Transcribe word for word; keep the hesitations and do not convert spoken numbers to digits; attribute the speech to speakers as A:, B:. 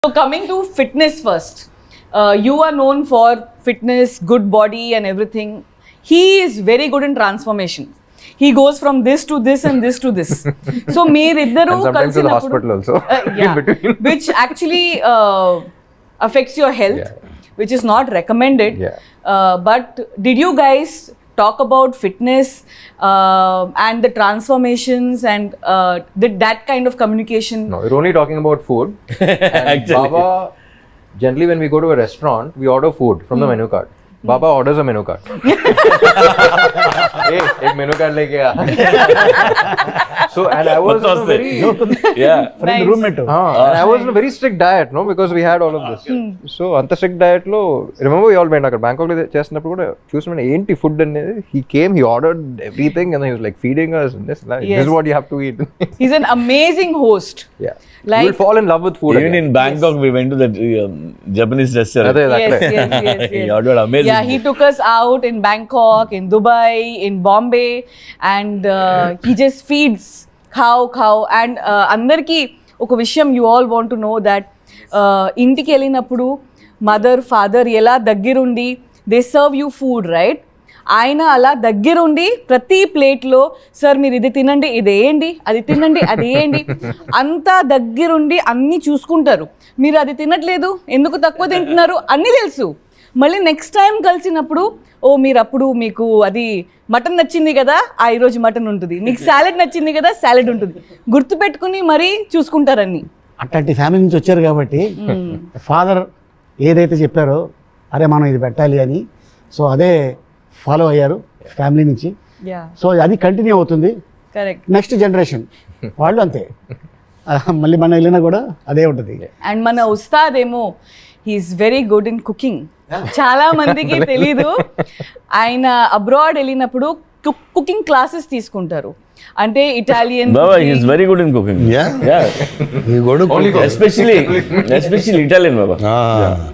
A: So coming to fitness first, uh, you are known for fitness, good body and everything. He is very good in transformation. He goes from this to this and this to this. So meeriddaru
B: And sometimes to the hospital also.
A: uh, yeah,
B: In between.
A: which actually uh, affects your health,
B: Yeah.
A: which is not recommended.
B: Yeah.
A: Uh, but did you guys talk about fitness uh, and the transformations and uh, did that kind of communication?
B: No, we're only talking about food. And Baba, generally when we go to a restaurant, we order food from the menu card. Baba orders a menu card. Hey, एक menu card लेके आ. So and I was on a very
C: yeah.
A: Nice.
D: roommate.
B: ah, and I was on a very strict diet, no, because we had all of this. So అంత strict diet లో remember we all went అక్కడ Bangkok లో చేసినప్పుడు కూడా చూసిన ఏంటి food అనేది. He came, he ordered everything, and then he was like feeding us and this, like,
A: Yes.
B: this is what you have to eat.
A: He's an amazing host.
B: Yeah,
A: Like-
B: you will fall in love with food.
C: Even
B: again.
C: in Bangkok, we went to that um, Japanese restaurant.
B: అదే
A: Yes,
B: exactly.
A: yes, yes, yes.
C: He ordered amazing
A: Yeah, he
C: food.
A: took us out in Bangkok, in Dubai, in Bombay, and uh, he just feeds cow, cow. And uh, అందరికీ ఒక విషయం you all want to know that uh, ఇంటికి వెళ్ళినప్పుడు mother father ఎలా దగ్గరుండి they serve you food right. ఆయన అలా దగ్గరుండి ప్రతి ప్లేట్లో సార్ మీరు ఇది తినండి, ఇది వేయండి, అది తినండి, అది వేయండి, అంతా దగ్గరుండి అన్నీ చూసుకుంటారు. మీరు అది తినట్లేదు, ఎందుకు తక్కువ తింటున్నారు అన్నీ తెలుసు. మళ్ళీ నెక్స్ట్ టైం కలిసినప్పుడు ఓ మీరు అప్పుడు మీకు అది మటన్ నచ్చింది కదా, ఆ ఈరోజు మటన్ ఉంటుంది, మీకు సాలెడ్ నచ్చింది కదా, సాలెడ్ ఉంటుంది, గుర్తుపెట్టుకుని మరీ చూసుకుంటారన్నీ.
D: అట్లాంటి ఫ్యామిలీ నుంచి వచ్చారు కాబట్టి ఫాదర్ ఏదైతే చెప్పారో అరే మనం ఇది పెట్టాలి అని, సో అదే ఫాలో అయ్యారు ఫ్యామిలీ నుంచి.
A: యా
D: సో అది కంటిన్యూ అవుతుంది
A: కరెక్ట్.
D: నెక్స్ట్ జనరేషన్ వాళ్ళు అంతే. ఆ, మళ్ళీ మనం వెళ్ళినా కూడా అదే ఉంటుంది.
A: అండ్ మన ఉస్తాద్ ఏమో he's very good in cooking. చాలా మందికి తెలీదు, ఆయన అబ్రాడ్ వెళ్ళినప్పుడు కుకింగ్ క్లాసెస్ తీసుకుంటారు. అంటే Italian
C: Baba, he's very good in cooking.
E: Yeah?
C: Yeah.
E: You go to
B: Only
E: cook.
C: Especially, especially Italian, Baba.
E: Ah.